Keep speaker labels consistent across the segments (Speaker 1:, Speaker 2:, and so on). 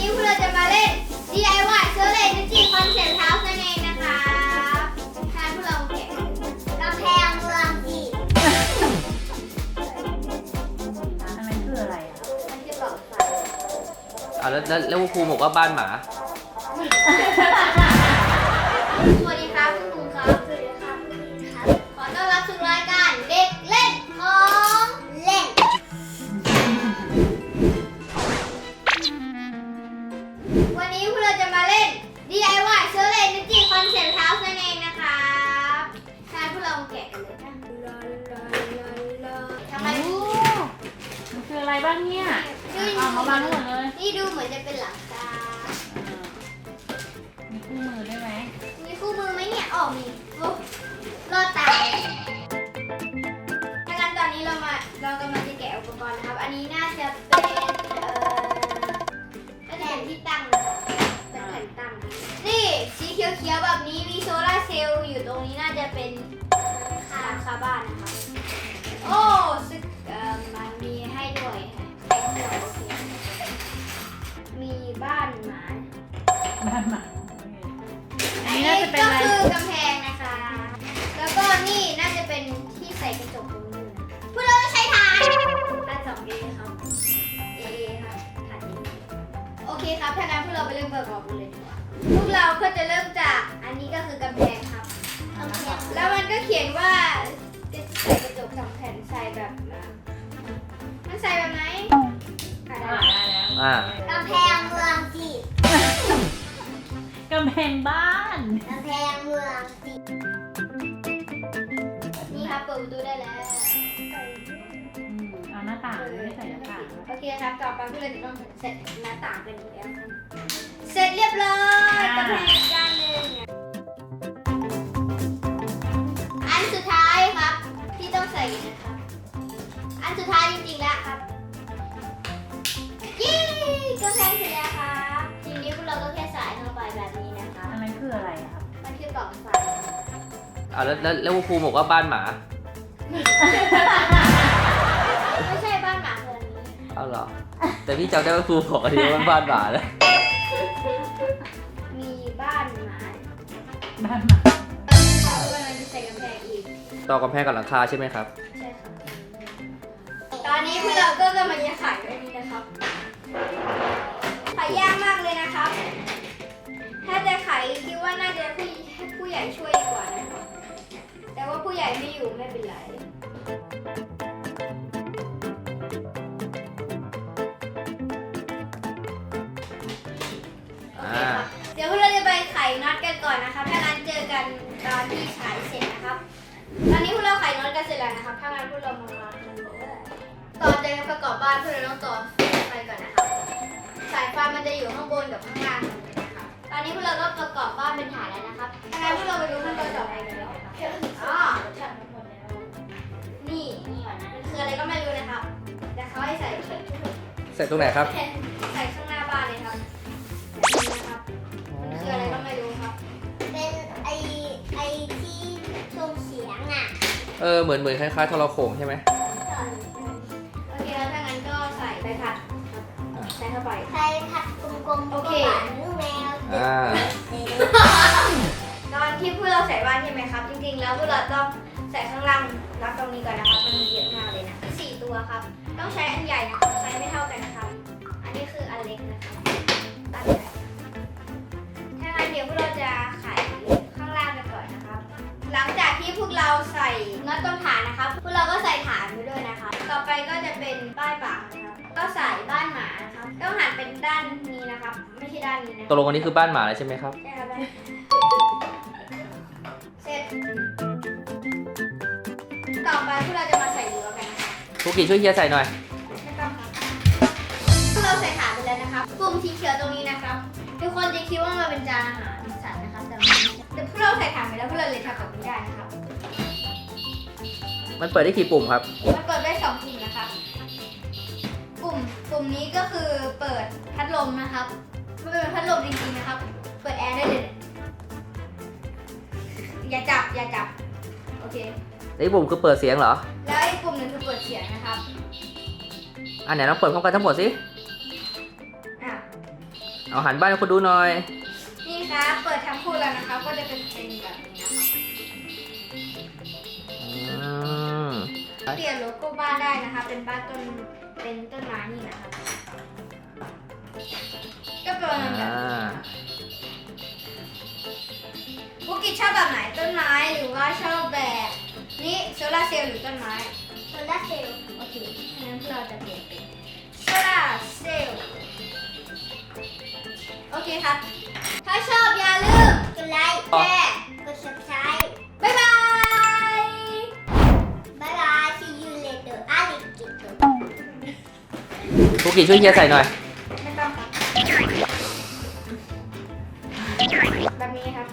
Speaker 1: นี้พวกเราจะมาเล่น DIY Solar Energy Concept House นั่นเองนะครับทางพวกเราแกะกำแพงเมืองจีน
Speaker 2: อันนั้นคืออะไรอ่ะ
Speaker 1: มันจะบอกไฟ
Speaker 3: แล้วครูบอกว่าบ้านหมา
Speaker 1: สวัสดีครับคุณครูครับสวัสดีครับคุณครูครับขอต้อนรับสู่รายการเด็กเล่นของเล่นวันนี้พวกเราจะมาเล่น DIY Solar Energy Concept House นั่นเองนะครับทางพวกเราแกะกันเลยนะทำไม
Speaker 2: มันคืออะไรบ้างเนี่ย
Speaker 1: ดู
Speaker 2: เอามาบ้างหมดเลย
Speaker 1: นี่ดูเหมือนจะเป็นหลังคา
Speaker 2: มีคู่มือได้ไหม
Speaker 1: มีคู่มือไหมเนี่ยอ๋อมีโอ้รอดตายถ้างั้นตอนนี้เรากำลังจะแกะอุปกรณ์นะครับ อันนี้น่าจะเป็นแผ่นที่ตั้งนะครับเป็นแผ่นตั้ง นี่สีเขียวๆแบบนี้มีโซลาร์เซลล์อยู่ตรงนี้น่าจะเป็นหลังคาบ้านนะครับ โอ้ซึ่งมันมีให้ด้วยค่ะแต่งตัวโอเคมีบ้านหมา
Speaker 2: บ้านหมา
Speaker 1: อันนี้ก็คือกำแพงนะคะ แล้วก็นี่น่าจะเป็นที่ใส่กระจกตรงนี้นะพวกเราใช้ฐาน2A ครับ A ครับฐาน A โอเคครับถ้างั้นพวกเราไปเริ่มประกอบกันเลยดีกว่าพวกเราก็จะเริ่มจากอันนี้ก็คือกำแพงครับแล้วมันก็เขียนว่าจะใส่กระจก2แผ่นใส่แบบมันใส่แบบไหนได้แล้ว
Speaker 3: อ่า
Speaker 1: กำแพงเมืองจีน
Speaker 2: กำแพงบ้าน
Speaker 1: กำแพงเมืองจีนนี่ครับเปิดประตูได้แล้ว
Speaker 2: เอาหน้าต่างไม่ได้ใส่หน้าต่าง
Speaker 1: โอเคครับต่อไปพวกเราจะต้องเสร็จหน้าต่างกันอีกแล้วเสร็จเรียบร้อยกำแพงอีกด้านหนึ่งอันสุดท้ายครับที่ต้องใส่นะครับอันสุดท้ายจริงๆแล้วครับยี่กำแพงเสร็จแล้วครับทีนี้พวกเราก็แค่ใส่เข้าไปแบบนี้นะคะ
Speaker 2: อันนั้นคืออะไรครับ
Speaker 1: มันคือกล่องไฟ
Speaker 3: แล้วครูบอกว่าบ้านหมา
Speaker 1: ไม่ใช่บ้านหมาเรือนนี้
Speaker 3: เอาเหรอ แต่พี่จำได้ว่าครูบอกอันนี้ว่าบ้านหมานะ
Speaker 1: มีบ้านหมา
Speaker 2: บ้านหมา
Speaker 1: เรากำลังจะใส่กำแพงอีก
Speaker 3: ต่อกำแพงกับหลังคาใช่ไหมครับ
Speaker 1: ใช่ค่ะตอนนี้พวกเราก็กำลังจะขายไว้นี่นะครับขายยากมากเลยนะครับ ถ้าจะขายคิดว่าน่าจะให้ผู้ใหญ่ช่วยดีกว่านะครับแต่ว่าผู้ใหญ่ไม่อยู่ไม่เป็นไรโอเคครับเดี๋ยวพวกเราจะไปไขน็อตกันก่อนนะครับถ้างั้นเจอกันตอนที่ฉายเสร็จนะครับ ตอนนี้พวกเราไขน็อตกันเสร็จแล้วนะครับถ้างั้นพวกเรามากันเลยก่อนจะประกอบบ้านพวกเราต้องต่อไฟก่อนนะครับสายไฟมันจะอยู่ข้างบนกับข้างล่างนะครับตอนนี้พวกเราก็ประกอบบ้านเป็นฐานแล้วนะครับถ้างั้นพวกเราไปดูขั้นตอนต่อไปกันเลยอ๋อนี่มันคืออะไรก็ไม่รู้นะครับแต่เขาให้ใส่
Speaker 3: ใส่ตรงไหนครับ
Speaker 1: ใส่ข้างหน้าบ้านเลยครับนี่นะครับมันคืออะไรก็ไม่รู้ครับเป็นไอที่ส่งเสียงอ่ะ
Speaker 3: เหมือนคล้ายๆโทรโข่งใช่ไหม
Speaker 1: โอเคแล้วถ้างั้นก็ใส่ใบพัดใส่เข้าไป
Speaker 4: ใส่ผัดกลมๆ
Speaker 1: โอเค
Speaker 4: หวานลูกแมว
Speaker 3: อ่า
Speaker 1: ตอนที่พวกเราใส่บ้านใช่ไหมครับ จริงๆแล้วพวกเราต้องใส่ข้างล่างรับตรงนี้ก่อนนะครับมันมีเยอะมากเลยนะ4ตัวครับ ต้องใช้อันใหญ่นะครับใช้ไม่เท่ากันนะครับ อันนี้คืออันเล็กนะครับตั้งใจถ้างั้นเดี๋ยวพวกเราจะไขข้างล่างกันก่อนนะครับ หลังจากที่พวกเราใส่น็อตตรงฐานนะครับ พวกเราก็ใส่ฐานไปด้วยนะคะ ต่อไปก็จะเป็นป้ายปากนะครับ ก็ใส่บ้านหมานะครับ ต้องหันเป็นด้านนี้นะครับ ไม่ใช่ด้านนี้นะ
Speaker 3: ตกลงอันนี้คือบ้านหมาเลยใช่ไหมครับ
Speaker 1: ใช่ครับเสร็จ ต่อไปพวกเราจะมาใส่รั้วกันนะคะ
Speaker 3: ครูกิช่วยเฮียใส่หน่อย
Speaker 1: ไม่ต้องครับพวกเราใส่ฐานไปแล้วนะครับปุ่มสีเขียวตรงนี้นะครับ ทุกคนจะคิดว่ามันเป็นจานอาหารสัตว์นะครับ แต่มันไม่ใช่แต่พวกเราใส่ฐานไปแล้วพวกเราเลยทำแบบนี้ได้นะครับ
Speaker 3: มันเปิดได้กี่ปุ่มครับ
Speaker 1: มันเปิดได้2ปุ่มนะครับ ปุ่มนี้ก็คือเปิดพัดลมนะครับมันเป็นพัดลมจริงๆนะครับ เปิดแอร์ได้เลย อย่าจับ โอเค
Speaker 3: ไอ้ปุ่มคือเปิดเสียงเหรอ
Speaker 1: แล้วอีกปุ่มหนึ่งคือเปิดเสียงนะครับ
Speaker 3: อันไหนลองเปิดพร้อมกันทั้งหมดสิ
Speaker 1: อ่ะ
Speaker 3: เอาหันบ้านให้คนดูหน่อย
Speaker 1: นี่ครับเปิดทั้งคู่แล้วนะครับก็จะเป็นแบบนี้นะครับ
Speaker 3: อืม
Speaker 1: เปลี่ยนโลโก้บ้านได้นะคะเป็นบ้านต้นไม้นี่นะครับก็เป็นแบบ
Speaker 3: อ่า
Speaker 1: บุกิชอบแบบไหนต้นไม้หรือว่าชอบแบบนี่โซลาร์เซลล์หรือต้นไม้
Speaker 4: โซลาร์เซลล์
Speaker 1: โอเคงั้นเราจะเปลี่ยนเป็นโซลาร์เซลล์โอเคครับ ถ้าชอบอย่าลืม
Speaker 4: กดไลค์
Speaker 1: แชร์
Speaker 4: กด subscribe
Speaker 1: บ๊ายบาย
Speaker 4: บ๊ายบาย see you later อาลิกิโต
Speaker 3: ภูกิช่วยเฮียใส่หน่อย
Speaker 1: ไม่ต้องครับแบบนี้ครับ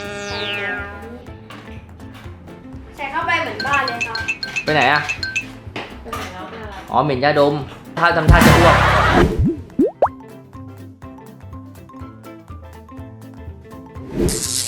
Speaker 1: ใส่เข้าไปเหมือนบ้านเลยครับ
Speaker 3: ไปไหนอะ
Speaker 2: เป็นไงแล้วเป็นอะไร
Speaker 3: อ๋อเหม็นยาดมถ้าทำท่าจะอ้วก